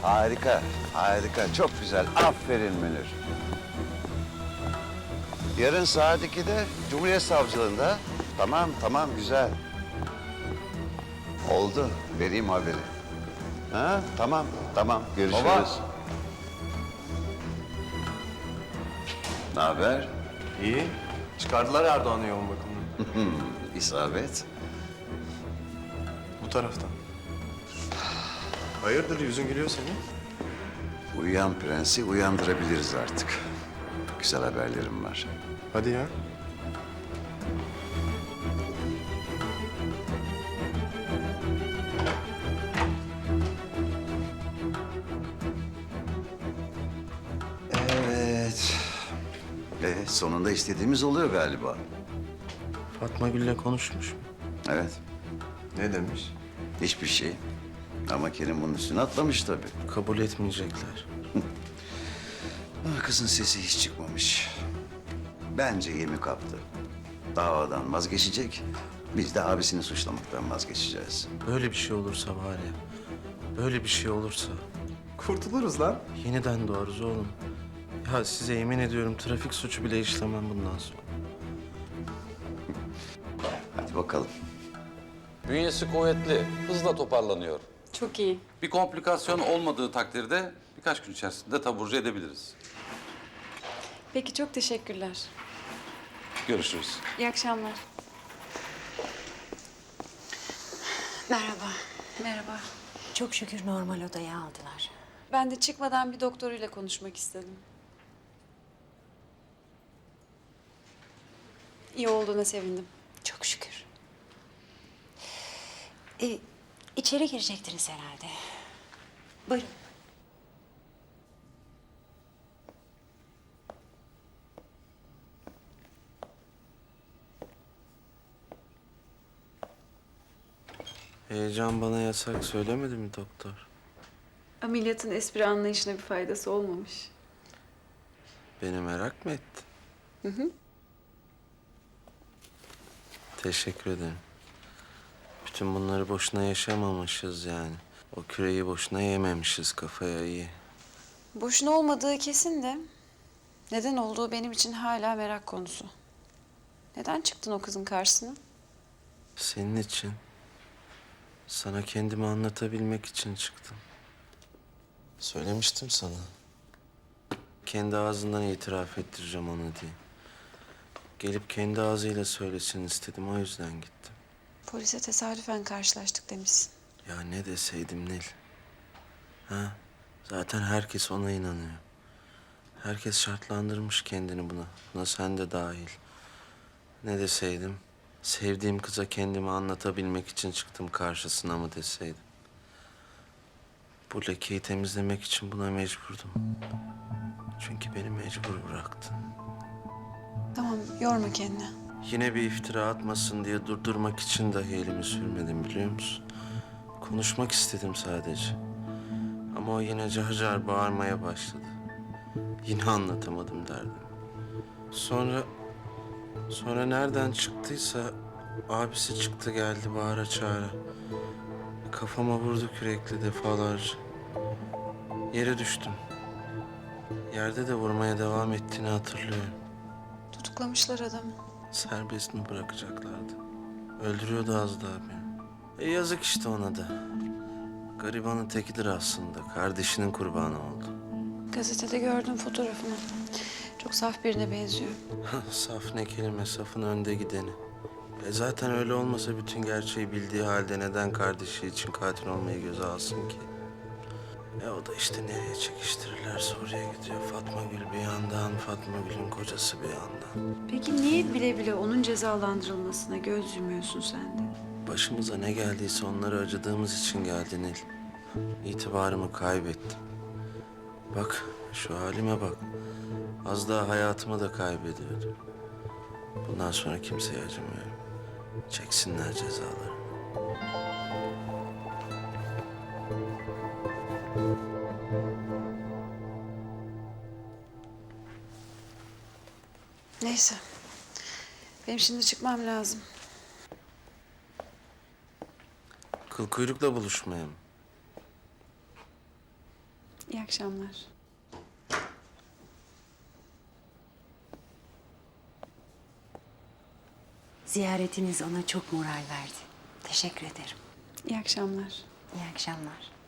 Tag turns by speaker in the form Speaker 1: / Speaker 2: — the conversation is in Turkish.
Speaker 1: Harika, harika. Çok güzel. Aferin Münir. Yarın saat 2'de Cumhuriyet Savcılığında. Tamam, tamam, güzel. Oldu. Vereyim haberi. Ha, tamam, tamam. Görüşürüz.
Speaker 2: Baba.
Speaker 1: Ne haber?
Speaker 2: İyi. Çıkardılar Erdoğan'ı yoğun bakımdan.
Speaker 1: İsabet.
Speaker 2: Bu taraftan. Hayırdır yüzün gülüyor senin?
Speaker 1: Uyuyan prensi uyandırabiliriz artık. Güzel haberlerim var.
Speaker 2: Hadi ya.
Speaker 1: Evet. Sonunda istediğimiz oluyor galiba.
Speaker 3: Fatma Gül'le konuşmuş.
Speaker 1: Evet.
Speaker 2: Ne demiş?
Speaker 1: Hiçbir şey. Ama Kerim bunun üstüne atlamış tabii.
Speaker 3: Kabul etmeyecekler.
Speaker 1: Ah, kızın sesi hiç çıkmamış. Bence yemi kaptı. Davadan vazgeçecek. Biz de abisini suçlamaktan vazgeçeceğiz.
Speaker 3: Böyle bir şey olursa var ya, böyle bir şey olursa
Speaker 2: Kurtuluruz lan.
Speaker 3: yeniden doğarız oğlum. Ya size yemin ediyorum trafik suçu bile işlemem bundan sonra.
Speaker 1: Hadi bakalım.
Speaker 4: Bünyesi kuvvetli, hızla toparlanıyor.
Speaker 5: Çok iyi.
Speaker 4: Bir komplikasyon olmadığı takdirde birkaç gün içerisinde taburcu edebiliriz.
Speaker 5: Peki çok teşekkürler.
Speaker 4: Görüşürüz.
Speaker 5: İyi akşamlar.
Speaker 6: Merhaba.
Speaker 5: Merhaba.
Speaker 6: Çok şükür normal odaya aldılar.
Speaker 5: Ben de çıkmadan bir doktoruyla konuşmak istedim. İyi olduğuna sevindim.
Speaker 6: Çok şükür. İçeri girecektiniz herhalde. Buyurun.
Speaker 3: Heyecan bana yasak söylemedi mi doktor?
Speaker 5: Ameliyatın espri anlayışına bir faydası olmamış.
Speaker 3: Beni merak mı etti? Teşekkür ederim. Bütün bunları boşuna yaşamamışız yani. O küreyi boşuna yememişiz kafaya iyi.
Speaker 5: Boşuna olmadığı kesin de neden olduğu benim için hala merak konusu. Neden çıktın o kızın karşısına?
Speaker 3: Senin için. Sana kendimi anlatabilmek için çıktım. Söylemiştim sana. Kendi ağzından itiraf ettireceğim onu diye. Gelip kendi ağzıyla söylesin istedim, o yüzden gittim.
Speaker 5: Polise tesadüfen karşılaştık demişsin.
Speaker 3: Ya ne deseydim Nil? Ha? Zaten herkes ona inanıyor. Herkes şartlandırmış kendini buna. Buna sen de dahil. Ne deseydim? Sevdiğim kıza kendimi anlatabilmek için çıktım karşısına mı deseydim? Bu lekeyi temizlemek için buna mecburdum. Çünkü beni mecbur bıraktın.
Speaker 5: Tamam, yorma kendini.
Speaker 3: Yine bir iftira atmasın diye durdurmak için dahi elimi sürmedim biliyor musun? Konuşmak istedim sadece. Ama o yine car car bağırmaya başladı. Yine anlatamadım derdim. Sonra nereden çıktıysa abisi çıktı geldi bağıra çağıra. Kafama vurdu kürekle defalarca. Yere düştüm. Yerde de vurmaya devam ettiğini hatırlıyorum.
Speaker 5: Tutuklamışlar adamı.
Speaker 3: Serbest mi bırakacaklardı? Öldürüyordu az daha beni. Yazık işte ona da. Garibanın tekidir aslında. Kardeşinin kurbanı oldu.
Speaker 5: Gazetede gördüm fotoğrafını. Çok saf birine benziyor.
Speaker 3: Saf ne kelime, safın önde gideni. Zaten öyle olmasa bütün gerçeği bildiği halde neden kardeşi için katil olmayı göze alsın ki? O da işte nereye çekiştirirlerse oraya gidiyor. Fatma Gül bir yandan, Fatma Gül'ün kocası bir yandan.
Speaker 5: Peki niye bile bile onun cezalandırılmasına göz yumuyorsun sen de?
Speaker 3: Başımıza ne geldiyse onlara acıdığımız için geldi Nil. İtibarımı kaybettim. Bak, şu halime bak. Az daha hayatımı da kaybediyordum. Bundan sonra kimseye acımıyorum. Çeksinler cezaları.
Speaker 5: Neyse. Benim şimdi çıkmam lazım.
Speaker 3: Kıl kuyrukla buluşmaya mı?
Speaker 5: İyi akşamlar.
Speaker 6: Ziyaretiniz ona çok moral verdi. Teşekkür ederim.
Speaker 5: İyi akşamlar.
Speaker 6: İyi akşamlar.